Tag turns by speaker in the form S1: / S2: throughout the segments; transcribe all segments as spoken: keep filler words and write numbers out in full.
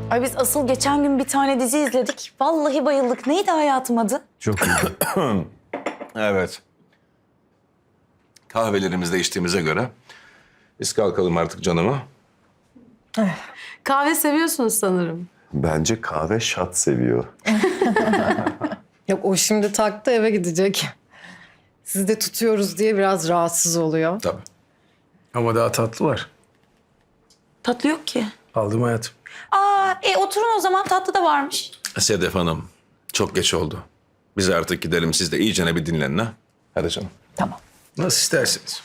S1: Ay biz asıl geçen gün bir tane dizi izledik. Vallahi bayıldık. Neydi hayatım adı?
S2: Çok iyi.
S3: Evet. Kahvelerimizi de içtiğimize göre biz kalkalım artık canıma.
S4: Kahve seviyorsunuz sanırım.
S2: Bence kahve şat seviyor.
S5: Yok o şimdi taktı eve gidecek. Siz de tutuyoruz diye biraz rahatsız oluyor.
S3: Tabii.
S6: Ama daha tatlı var.
S1: Tatlı yok ki.
S6: Aldım hayatım.
S1: Aa, e oturun o zaman. Tatlı da varmış.
S3: Sedef Hanım, çok geç oldu. Biz artık gidelim, siz de iyicene bir dinlenin ha. Hadi canım.
S1: Tamam.
S6: Nasıl isterseniz.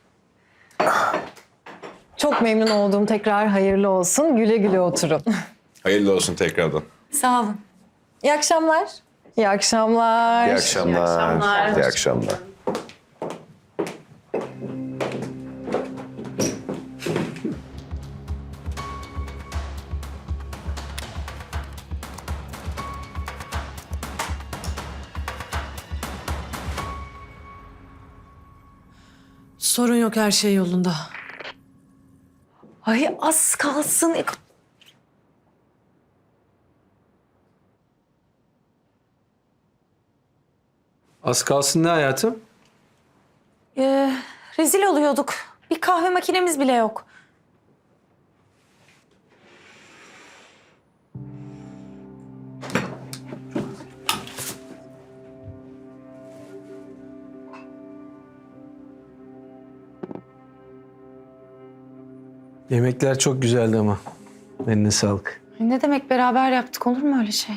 S5: Çok memnun oldum. Tekrar hayırlı olsun. Güle güle oturun.
S3: Hayırlı olsun tekrardan.
S1: Sağ olun.
S5: İyi akşamlar. İyi akşamlar.
S2: İyi akşamlar. İyi akşamlar.
S4: Sorun yok, her şey yolunda.
S1: Ay az kalsın.
S6: Az kalsın ne hayatım?
S1: Ee, rezil oluyorduk. Bir kahve makinemiz bile yok.
S6: Yemekler çok güzeldi ama. Eline sağlık.
S1: Ne demek beraber yaptık, olur mu öyle şey?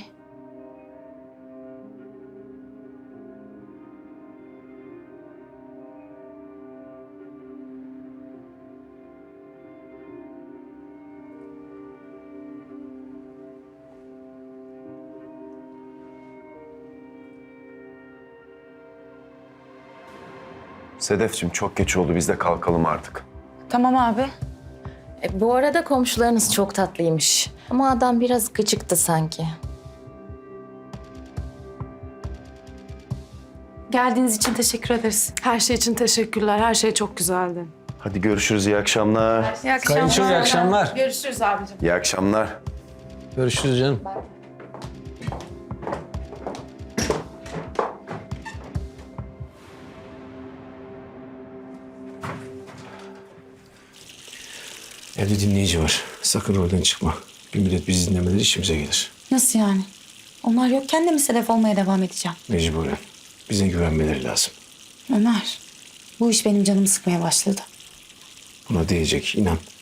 S2: Sedefciğim çok geç oldu. Biz de kalkalım artık.
S1: Tamam abi.
S7: E, bu arada komşularınız çok tatlıymış. Ama adam biraz gıcıktı sanki.
S1: Geldiğiniz için teşekkür ederiz.
S4: Her şey için teşekkürler. Her şey çok güzeldi.
S2: Hadi görüşürüz. İyi akşamlar.
S1: İyi
S6: Kayınço iyi akşamlar.
S1: Görüşürüz abicim.
S2: İyi akşamlar.
S6: Görüşürüz canım. Evde dinleyici var. Sakın oradan çıkma. Bir müddet bizi dinlemeleri işimize gelir.
S1: Nasıl yani? Onlar yokken de mi sedef olmaya devam edeceğim?
S6: Mecburen. Bize güvenmeleri lazım.
S1: Ömer, bu iş benim canımı sıkmaya başladı.
S6: Buna değecek inan.